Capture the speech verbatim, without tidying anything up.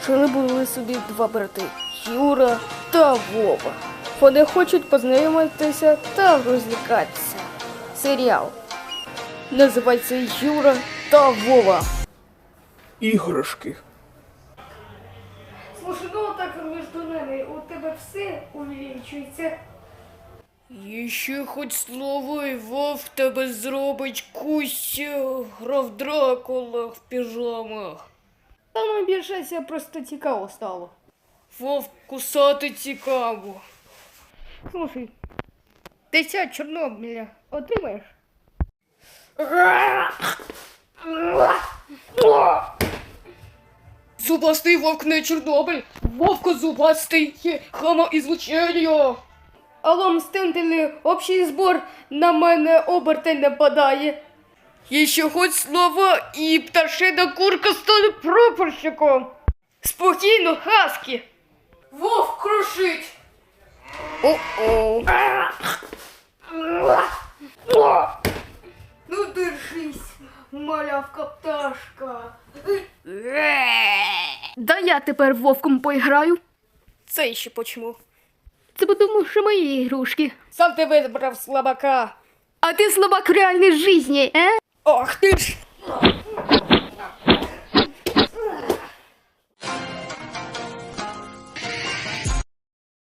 Жили були собі два брати Юра та Вова. Вони хочуть познайомитися та розлікатися. Серіал називається Юра та Вова. Іграшки. Слушай, ну так між нами у тебе все увеличується. Ще хоч слово і Вов тебе зробить Куся, грав Дракула в піжамах. Та ну більше просто цікаво стало. Вов, кусати цікаво. Слушай, десять Чорнобиля отримаєш? Зубастий вовк не Чорнобиль, вовко зубастий, хамоізлучення. Алло, мстителі, общий збор, на мене обертень нападає. Ще хоч слово, і пташина курка стане прапорщиком. Спокійно, Хаскі. Вовк крушить. О-о. Ну держись, малявка пташка. Да я тепер вовком поіграю. Це ще почему? Це тому, що мої ігрушки. Сам ти вибрав слабака. А ти слабак в реальній житті, е? Ах ти ж!